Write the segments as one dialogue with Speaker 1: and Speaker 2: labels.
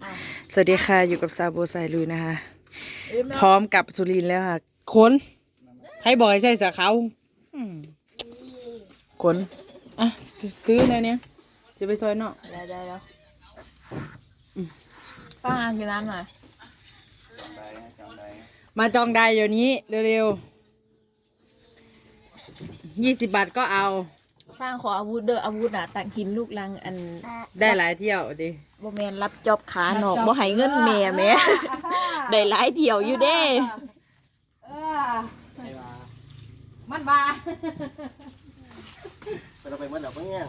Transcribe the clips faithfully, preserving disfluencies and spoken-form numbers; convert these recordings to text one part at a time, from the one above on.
Speaker 1: สวัสดีค่ะอยู่กับซาโบไซลุยนะคะพร้อมกับสุรินทร์แล้วค่ะคนให้บอยใช่สาเขาคนอ่ะซื้อในเนี้ยจะไปซอยเนาะ
Speaker 2: ได้ได้แล้วป้ากินน้ำหน่อย
Speaker 1: มาจองได้เดี๋ยวนี้เร็วๆยี่สิบบาทก็เอา
Speaker 2: ฟางขออาวุธเด้ออาวุธน่ะตักหินลูกลังอัน
Speaker 1: ได้หลายเที่ยวดิ
Speaker 2: บ่แมนรับจอบขาหนอกบ่ให้เงินแม่แม่ได้หลายเที่ยวอยู่เด้
Speaker 1: มันบา
Speaker 3: ไปเราไปเมื่อไหร่เพื่อน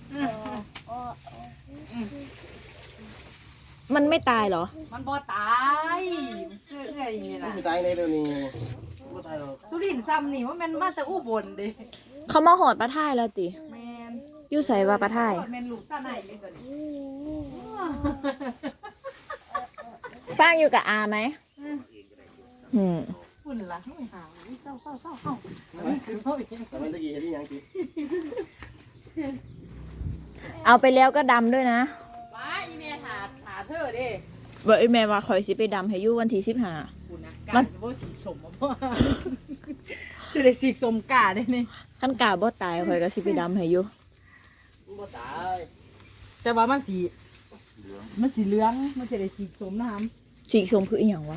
Speaker 2: มันไม่ตายเหรอ
Speaker 1: มันบ่ตายเสื้อเอื้อยนี่ล่ะ
Speaker 3: ไม่ตายในเดี๋ยวนี้ไม่ตายหรอก
Speaker 1: สุรินทร์ซ้ำนี่ว่ามันมาแต่อุบลดิ
Speaker 2: เขามาหอดปลาท่ายแล้วติ
Speaker 1: แมน
Speaker 2: อยู่ใส่ว่าปลาท่าย
Speaker 1: แมนลูกซ่าไหนเลยก่อน
Speaker 2: ฟางอยู่กับอาไหมอืม
Speaker 1: ฝุ่นละให้หาเศร้าเศร้าเศร้าเศร้า
Speaker 3: แต่มันตะกี้เห็นที่ยังกิน
Speaker 2: เอาไปแล้วก็ดำด้วยนะ
Speaker 1: ว้าอีเมลหาหาเธอดิ
Speaker 2: เบอกไอ้แม่ว่าคอยสิไปดำให้อยู่วันที่สิบห้า
Speaker 1: ฝุ่นนะกาจะบ่สีสมบ่พ่อจะได้สีสมกาได้นี่
Speaker 2: ขั้นกาบ่ตายคอยก็สิไปดำให้อยู่
Speaker 3: ไม่ตาย
Speaker 1: แต่ว่ามันสีมันสีเหลืองมันจะได้สีสมนะครับ
Speaker 2: สีส้มคืออีหยังวะ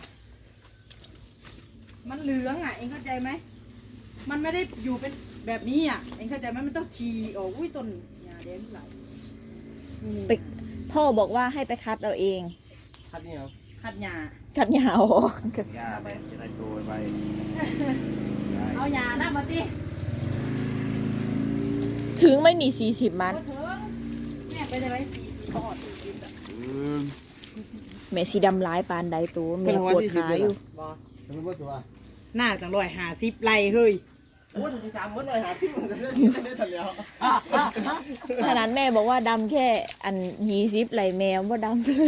Speaker 1: มันเหลืองอ่ะเองเข้าใจไหมมันไม่ได้อยู่เป็นแบบนี้อ่ะเองเข้าใจไหมมันต้องฉีโอ้อุ้ยต้นยาแดงไหล
Speaker 2: ไปพ่อบอกว่าให้ไปคัดเอาเอง
Speaker 3: คัดนี่เหรอ
Speaker 1: ขัดยา
Speaker 2: คัดยาวออก
Speaker 3: ยาไปจะได้โตไป
Speaker 1: เอายานะมาดิ
Speaker 2: ถึงไม่หนีสี่สิบมัน
Speaker 1: ก็ถึงแม่ไปได้ไหมสี่สี่ปอดสี่สิบอ่ะ
Speaker 2: แม่สีดำร้ายปานใดตัวแม่ปวดขาอยู่
Speaker 1: บอ
Speaker 3: ทำไมไม่ตัว
Speaker 1: หน้าจังร้อยหาสิบไรเฮ้ย
Speaker 3: โอ้ถึงที่สามมื้อเลยหาชิมมันจะได้ได้ทันแล้ว
Speaker 2: ขนาดแม่บอกว่าดำแค่อันยี่สิบไหลแมวว่าดำเลย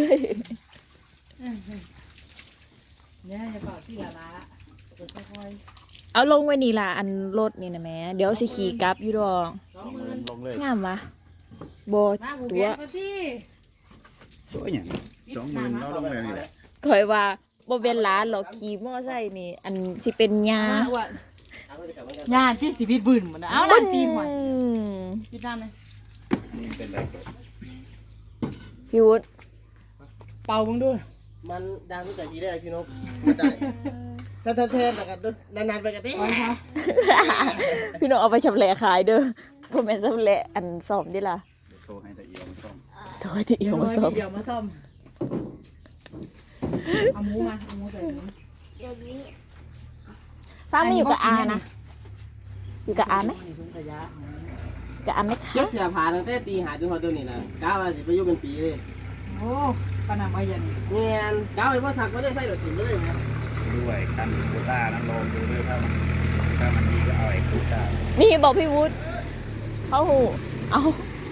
Speaker 1: เนี่ยจะก่อที่ละละจะค่อย
Speaker 2: เอาลงไว้นี่ล่ะอันรถนี่นะแม่เดี๋ยวสิขี่กลับอยู่ดอก
Speaker 1: สองหมื่น
Speaker 3: ลงเลย
Speaker 2: งามวะโบ
Speaker 1: มาผูก
Speaker 2: ตั
Speaker 1: แข
Speaker 2: วน
Speaker 1: ก็ที่
Speaker 4: ตัวอย่างสองหมื่นเราลงเลยนี่แหละ
Speaker 2: คอยว่าโบเป็นหล้านหรอกขี่มอไซค์นี่ อันสิเป็นยา
Speaker 1: ญาติที่สิบิดบืนหมดนะเอาดันตีนหมด
Speaker 2: อืม
Speaker 1: บิดด้านเลย
Speaker 4: นี่เป็นไรก็
Speaker 2: พี่วุฒิ
Speaker 1: เป่ามึงด้วย
Speaker 3: มันดังตั้งแต่ทีแรกพี่นกไม่ได้ถ้าถ้าเทนแต่กันนานๆไปกันที่
Speaker 2: พี่น้องเอาไปชำแหละขายเด้อพ่อแม่ชำแหละอันสอบดิล่ะ
Speaker 4: โทรให้ตะเอียงต้อง
Speaker 2: โทษที่เอียวมาสอบ
Speaker 1: เดี๋ยวมาซ่อมเอาหมูมาเอาหมูใส่หมู
Speaker 2: ฟ้าไม่อยู่กับอานะอยู่กับอาไหมกับอาไหมคะ
Speaker 3: เจ้าเสียผ่าตั้งแต่ตีหาจนพอตัวนี้นะก้าวมาสิไปยุ่งเป็นปีเลย
Speaker 1: โอ้ปนำเอาเย็น
Speaker 3: เงี้ยก้าวไปว่าสักไม่ได้ใส่ดอกถิ่นเลยนะ
Speaker 4: ด้วยคันโคต้านั้นลองดูด้วยถ้ามันถ้ามันดีก็เอาไอ้โคต้า
Speaker 2: นี่บอกพี่วุฒิเขาหูเอา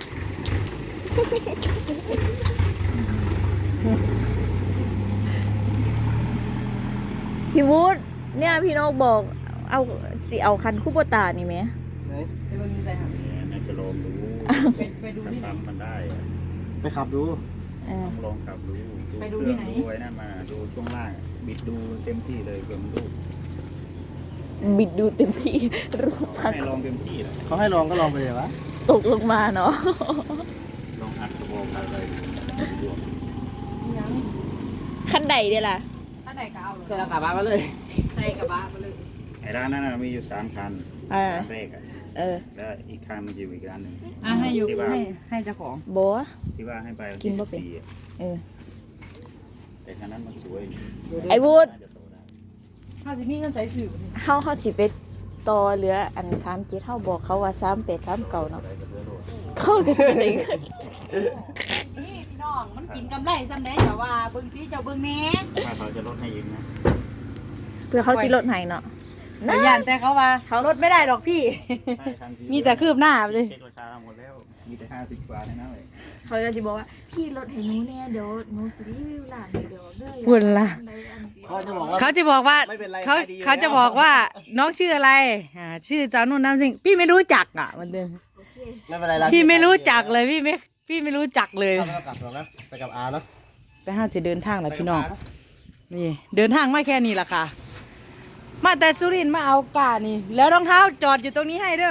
Speaker 2: พี่วุฒิเนี่ยพี่นกบอกเอาสิเอาคันคูโบตานี่ไหม
Speaker 3: ไหน
Speaker 1: ไปเบิ่งใส่หาง
Speaker 4: เนี่ยน่าจะลองดู
Speaker 1: ไปไปดูที่ไหน
Speaker 4: ทำมันได้อะ
Speaker 3: ไปขับดู
Speaker 2: เออ
Speaker 4: ต้องลองขับดู
Speaker 1: ไปดูที่ไหน
Speaker 4: ดูไว้นั่นมาดูช่วงล่างบิดดูเต็มที่เลยเพื่อมันดู
Speaker 2: บิดดูเต็มที่รูปพัก
Speaker 4: ให้ลองเต็มที่เลย
Speaker 3: เขาให้ลองก็ลองไปเลยวะ
Speaker 2: ตกลงมาเนาะ
Speaker 4: ลองอัดกระบอกอะไรดู
Speaker 1: ยัง
Speaker 2: ขั้นใดเดียล่ะ
Speaker 1: ถ้าไหนก็เอาเล
Speaker 3: ใส่
Speaker 1: ย
Speaker 3: ละกลับบ้านมาเลย
Speaker 1: ใส่กระบะไปเลย
Speaker 4: ไอ้ร้านนั้นน่ะมีอยู่สามคัน
Speaker 2: เออ
Speaker 4: คันแรกอ่ะ
Speaker 2: เออ
Speaker 4: แล้วอีกคันมันอยู่อีกร้านหนึ่ง
Speaker 1: อ่ะให้อยู่
Speaker 4: ที่ว่า
Speaker 1: ให้ให้เจ้าของ
Speaker 2: โบะ
Speaker 4: ที่ว่าให้ไปวั
Speaker 2: กินบ่เป็น
Speaker 4: ที่สิบสี่อะ
Speaker 2: เออ
Speaker 4: แต่คันนั้นมันสวย
Speaker 2: ไอ้วุฒิ
Speaker 4: น่าจะโตได้
Speaker 1: ถ้าจะมีเงินใส่สื่อ
Speaker 2: เฮาเฮาสิไปต่อเหลืออันสามเจ็ดเฮาบอกเขาว่าสามแปดสามเก่าเนาะ
Speaker 4: อะไรก็เพื่อโลด
Speaker 2: เข้ากันเอง
Speaker 1: นี่พี่น้องมันกินกำไรซ้ำแน่แต่ว่าเบิ่งที่เจ้าเบิ่งแหน่
Speaker 4: ถ้าเขาจะลดให้ยิงนะ
Speaker 2: เพื่อเขาสิลดให้เนาะ
Speaker 1: แต่ยันแต่เขาว่าเขาลดไม่ได้หรอกพี่
Speaker 4: ใช่ทันที
Speaker 1: มีแต่คืบหน้าไปเลย
Speaker 4: เช็คราคาหมดแล้ว มีแต่ห้าสิบบาทเท่านั้นเลย
Speaker 2: เขาจะสิบอกว่าพี่ลดให้หนูแน่เดี๋ยวหนูสิรีวิวร้านเดี๋ยวเด้อ
Speaker 1: พูดละ
Speaker 3: เขาจะบอกว่า
Speaker 1: เขาจะบอกว่า
Speaker 3: ไม่เป็นไร
Speaker 1: เขา
Speaker 3: ขายดีอยู่
Speaker 1: เขาจะ
Speaker 3: แล้ว
Speaker 1: บอกว่าน้องชื่ออะไรอ่าชื่อจานุ่นน้ำสิงพี่ไม่รู้จักอ่ะมันเดิน
Speaker 3: ไม่เป็นไรเรา
Speaker 1: พี่ไม่รู้จักเลยพี่ไม่พี่ไม่รู้จักเลย
Speaker 3: เรากลับหรอกนะไปกับอาเนาะ
Speaker 1: ไปห้าจะเดินทางแหละพี่น้องนี่เดินทางไม่แค่นี้ล่ะค่ะ มาแต่สุรินทร์มาเอากานี่ แล้วรองเท้าจอดอยู่ตรงนี้ให้เด้อ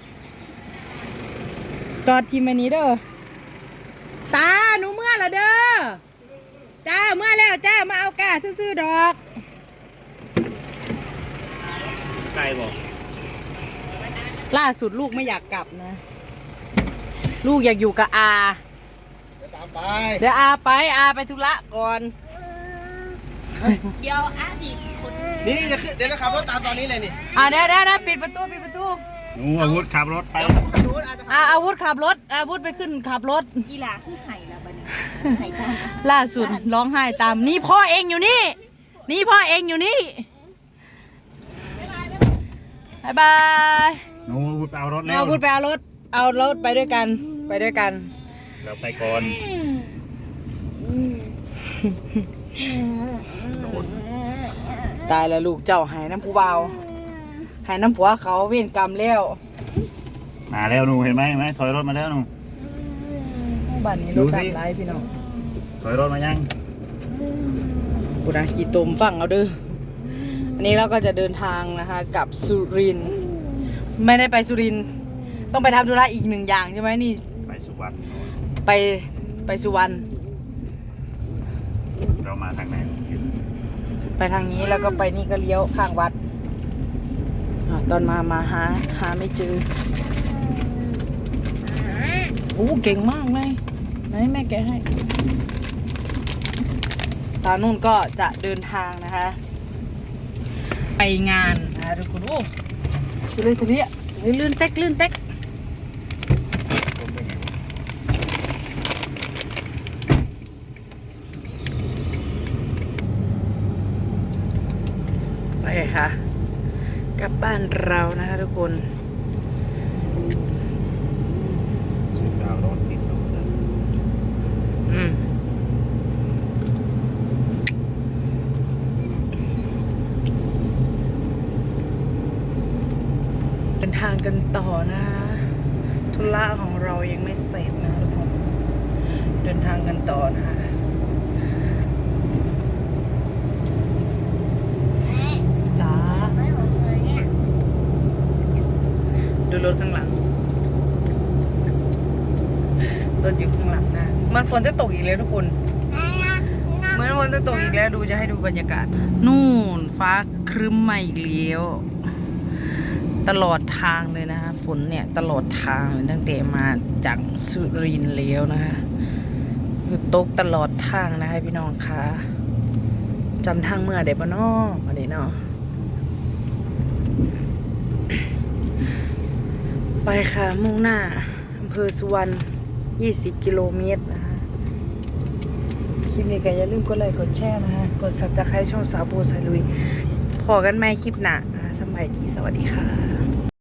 Speaker 1: จอดทีมอันนี้เด้อตาหนูเมื่อละเด้อจ้าเมื่อแล้วจ้ามาเอากาซื้อๆดอก
Speaker 4: ไกลบอก
Speaker 1: ล่าสุดลูกไม่อยากกลับนะ ลูกอยากอยู่กับอา
Speaker 3: เดี๋ยวตามไป
Speaker 1: เดี๋ยวอาไปอาไปธุระก่อน
Speaker 2: เดี๋ยวอาสิคน
Speaker 3: นี่นี่จะขึ้นเดี๋ยวจะขับรถตามตอนนี้เลยนี่
Speaker 1: อ่าเดี๋ยวเดี๋ยวเดี๋ยวปิดประตูปิดประตู
Speaker 4: หนูอาวุธขับรถไป
Speaker 3: ดูอาจจะ
Speaker 1: อาอาวุธขับรถอาวุธไปขึ้นขับรถ
Speaker 2: อีหลาคือไห่ละบัดนี้ไห่ตาม
Speaker 1: ล่าสุดร้องไห้ตามนี่พ่อเองอยู่นี่ นี่พ่อเองอยู่นี่บายบาย
Speaker 4: หนูอาวุธเอารถแล้ว
Speaker 1: เอาอาวุธไปเอารถเอารถไปด้วยกันไปด้วยกัน
Speaker 4: เราไปก่อนโดน
Speaker 1: ตายแล้วลูกเจ้าหายน้ำผู้เบาหายน้ำผัวเขาเวรกรรมแล้ว
Speaker 4: มาแล้วหนูเห็นไหมเห็นไหมถอยรถมาแล้วหนู
Speaker 1: บ้านนี้
Speaker 4: ดู
Speaker 1: รถ
Speaker 4: สิ
Speaker 1: ตามไล่พี่น้อง
Speaker 4: ถอยรถมายัง
Speaker 1: กูนะขี่ตมฟังเอาเด้ออันนี้เราก็จะเดินทางนะคะกลับสุรินทร์ไม่ได้ไปสุรินทร์ต้องไปทำธุระอีกหนึ่งอย่างใช่ไหมนี่
Speaker 4: ไปสุวรรณ
Speaker 1: ไปไปสุวรรณ
Speaker 4: เรามาทางไหน
Speaker 1: ไปทางนี้แล้วก็ไปนี่ก็เลี้ยวข้างวัดอ่าตอนมามาหาหาไม่เจอโอ้เก่งมากเลยไหนแม่แกะให้ตานุ่นก็จะเดินทางนะคะ ไปงานนะคะทุกคนโอ้ดูเลยทีนี้ลื่นเต็กลื่นเต็กไปค่ะกลับบ้านเรานะคะทุกคน
Speaker 4: สุดเอารถติดลงเลย
Speaker 1: อืมเดินทางกันต่อนะธุระของเรายังไม่เสร็จนะทุกคนเดินทางกันต่อนะคะจ้าดูรถข้างหลังรถอยู่ข้างหลังนะมันฝนจะตกอีกแล้วทุกคนเหมือนฝนจะตกอีกแล้วดูจะให้ดูบรรยากาศ นู่นฟ้าครึ้มมาอีกแล้วตลอดทางเลยนะคะฝนเนี่ยตลอดทางเลยตั้งแต่มาจากสุรินทร์แล้วนะคะคือตกตลอดทางนะคะพี่น้องคะจำทางเมื่อเด็บเนาะวันนี้เนาะไปค่ะมุ่งหน้าอำเภอสุวรรณยี่สิบกิโลเมตรนะคะคลิปนี้ก็อย่าลืมกดไลค์กดแชร์นะคะกดซับสไครต์ช่องสาวโบสายลุยพอกันไหมคลิปหน้านะคะสมัยดีสวัสดีค่ะ